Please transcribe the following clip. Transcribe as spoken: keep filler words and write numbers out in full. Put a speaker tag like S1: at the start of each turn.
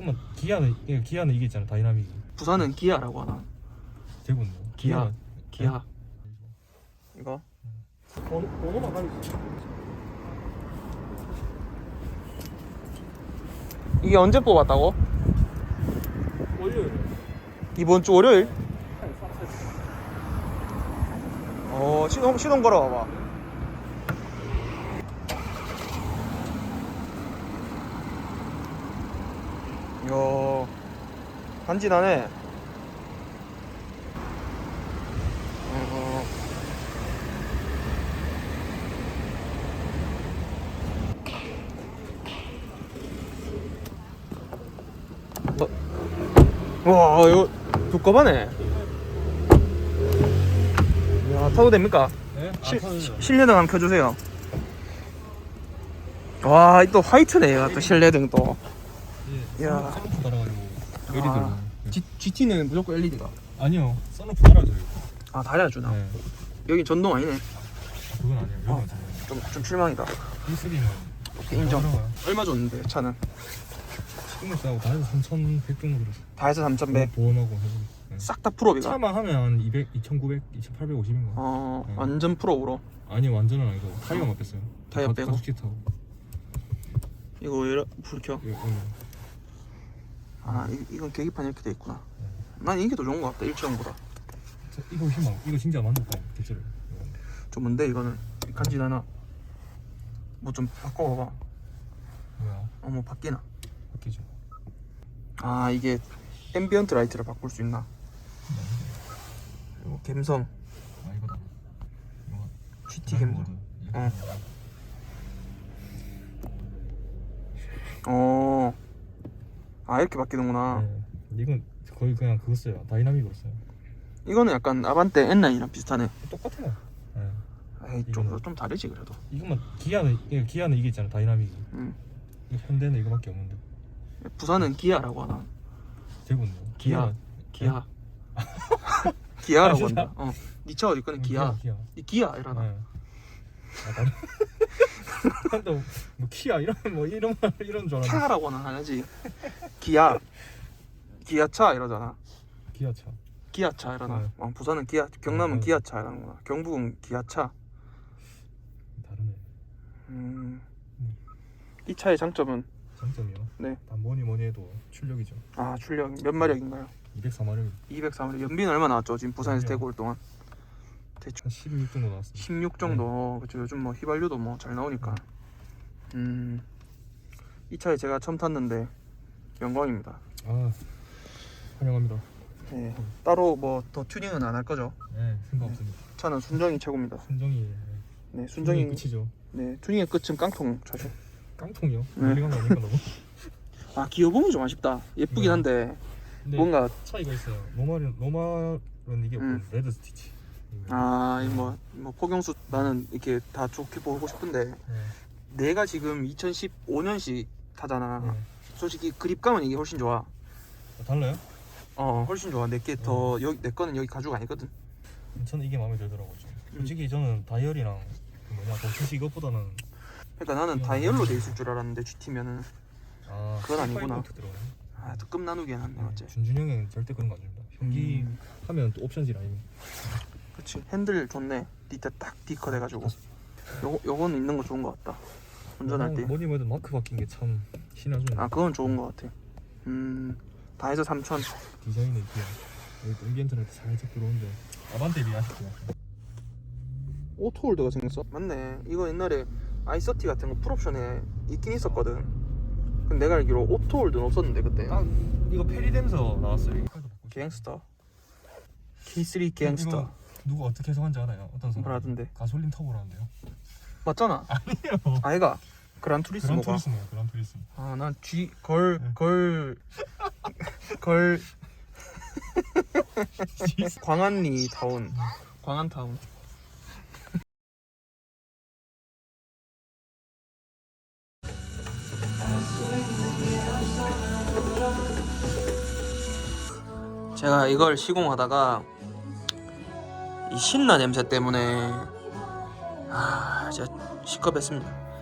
S1: 이거만 기아는 이거 기아는 이게 있잖아 다이나믹.
S2: 부산은 기아라고 하나?
S1: 대구는 뭐?
S2: 기아. 기아.
S1: 네?
S2: 이거?
S1: 번호 번호만 가리지.
S2: 이게 언제 뽑았다고?
S1: 월요일.
S2: 이번 주 월요일? 어, 시동, 시동 걸어봐봐. 이야, 간지나네. 어, 어. 와, 이거 두꺼바네. 야, 타도 됩니까?
S1: 네?
S2: 실,
S1: 아, 타도 돼요.
S2: 실내등 한번 켜주세요. 와, 또 화이트네, 얘가 또 실내등 또.
S1: 예.
S2: 야.
S1: 선루프 달아가지고 엘이디로.
S2: 아, G, GT는 무조건 엘이디가.
S1: 아니요. 선루프 달아줘요.
S2: 아, 달아주나?
S1: 네.
S2: 여긴 전동 아니네.
S1: 아, 그건 아니에요. 여기
S2: 어.
S1: 어.
S2: 좀, 좀 실망이다.
S1: 이 쓰리는
S2: 인정.
S1: 들어가요.
S2: 얼마 줬는데, 차는?
S1: 시동을 싸고 다 해서 삼천백 정도 들었어.
S2: 다 해서 삼천백.
S1: 보험하고 해서. 네.
S2: 싹 다 풀업이가?
S1: 차만 하면 한 이백, 이천구백, 이천팔백오십인가?
S2: 어,
S1: 네.
S2: 완전 풀업으로.
S1: 아니 완전은 아니고 타이어만 뺐어요.
S2: 타이어 빼고?
S1: 가죽 타고.
S2: 이거 왜 이러, 불 켜?
S1: 예, 예.
S2: 아, 이, 이건 계기판 이렇게 돼 있구나. 난 이게 더 좋은 것 같다, 일체형보다.
S1: 저 이거 희망. 이거 진짜 만족감. 대체로.
S2: 좀 뭔데, 이거는? 간지나나? 뭐 좀 바꿔봐봐.
S1: 뭐야?
S2: 어, 뭐 바뀌나?
S1: 바뀌죠.
S2: 아, 이게 앰비언트 라이트를 바꿀 수 있나? 이거 갬성.
S1: 아 이거다. 이거.
S2: 지티 갬성.
S1: 모드.
S2: 어. 어. 아, 이렇게 바뀌는구나.
S1: 네. 이건 거의 그냥 그거 써요. 다이나믹으로 써요.
S2: 이거는 약간 아반떼 엔나인이랑 비슷하네.
S1: 똑같아요. 네.
S2: 에이, 좀,
S1: 이거는-
S2: 좀 다르지, 그래도.
S1: 이것만 기아는 이거 기아는 이게 있잖아 다이나믹이.
S2: 음.
S1: 이거 현대는 이거밖에 없는데.
S2: 부산은 기아라고 하나?
S1: 대구는 뭐?
S2: 기아. 기아. 기아라고 한다. 어. 니 차 어디 거는 기아.
S1: 음, 기아.
S2: 이 기아 이러나?
S1: 네. 아, 나도 나도 뭐 키야 이런 뭐 이런 말 이런 줄 알았는데.
S2: 차라고는 안 하지. 기아. 기아차 이러잖아.
S1: 기아차.
S2: 기아차 이러나?
S1: 네.
S2: 어, 부산은 기아, 경남은
S1: 네.
S2: 기아차 이러는구나. 경북은 기아차.
S1: 다르네.
S2: 음. 이 차의 장점은?
S1: 장점이요.
S2: 네.
S1: 다 뭐니 뭐니 해도 출력이죠.
S2: 아, 출력 몇 마력인가요?
S1: 이백사 마력.
S2: 이백삼 마력. 연비는 얼마 나왔죠? 지금 부산에서
S1: 연비요?
S2: 대구 올 동안. 대충
S1: 한 십육 정도 나왔습니다.
S2: 십육 정도. 그쵸. 요즘 뭐 휘발유도 뭐 잘 나오니까. 음. 이 차에 제가 처음 탔는데 영광입니다.
S1: 아 환영합니다.
S2: 네. 따로 뭐 더 튜닝은 안 할 거죠?
S1: 네 생각
S2: 네.
S1: 없습니다.
S2: 차는 순정이 최고입니다.
S1: 순정이
S2: 네,
S1: 순정이
S2: 순정이.
S1: 끝이죠.
S2: 네, 튜닝의 끝은 깡통 차죠.
S1: 깡통이요?
S2: 네.
S1: 멀리간 거 아닌가 너무?
S2: 아, 기어봉이 좀 아쉽다. 예쁘긴
S1: 네.
S2: 한데
S1: 근데
S2: 뭔가
S1: 차이가 있어요. 노말은 노말은 이게
S2: 음.
S1: 없고 레드 스티치.
S2: 아, 뭐, 뭐 폭염수 나는 이렇게 다 좋게 보고 싶은데
S1: 네.
S2: 내가 지금 이천십오 년식 타잖아.
S1: 네.
S2: 솔직히 그립감은 이게 훨씬 좋아.
S1: 아, 달라요?
S2: 어, 훨씬 좋아. 내게 더 여기 내 거는 여기 가죽 아니거든.
S1: 저는 이게 마음에 들더라고요. 좀.
S2: 음.
S1: 솔직히 저는 다이얼이랑 그 뭐냐 도트시 이것보다는
S2: 그러니까 나는 다이얼로 돼 있을 줄 알았는데 지티면은
S1: 아
S2: 그건 아니구나.
S1: 들어가네.
S2: 아, 또 끔 나누기엔 한네 맞지?
S1: 준준 형은 절대 그런 거 안 줍니다. 현기
S2: 음,
S1: 하면 또 옵션질 아닙니까?
S2: 그치. 핸들 좋네. 밑에 딱 디커 돼가지고. 요 요거는 있는 거 좋은 거 같다. 운전할 때.
S1: 뭐니 뭐든 마크 바뀐 게 참 신화죠.
S2: 아, 그건 좋은 거 같아. 음, 다 해서 삼천.
S1: 디자인은 있고요. 여기 또 앰비언트는 살짝 들어오는데 아반떼 비해 아쉽고요.
S2: 오토홀더가 생겼어? 맞네. 이거 옛날에 아이서티 같은 거 풀옵션에 있긴 있었거든. 근데 내가 알기로 오토홀더는 없었는데 그때.
S1: 아 이거 페리댐서 나왔어요. 이거
S2: 갱스터. 케이 쓰리 갱스터.
S1: 이거 누가 어떻게 해석한지 알아요? 어떤 사람?
S2: 뭐라던데?
S1: 가솔린 터보라는데요.
S2: 맞잖아.
S1: 아니에요.
S2: 아이가 그란투리스모가.
S1: 그란투리스모요. 그란투리스모.
S2: 아, 난 G 걸
S1: 네.
S2: 걸 걸 광안리 타운. 광안 타운. 제가 이걸 시공하다가 이 신나 냄새 때문에 아, 진짜 시겁했습니다.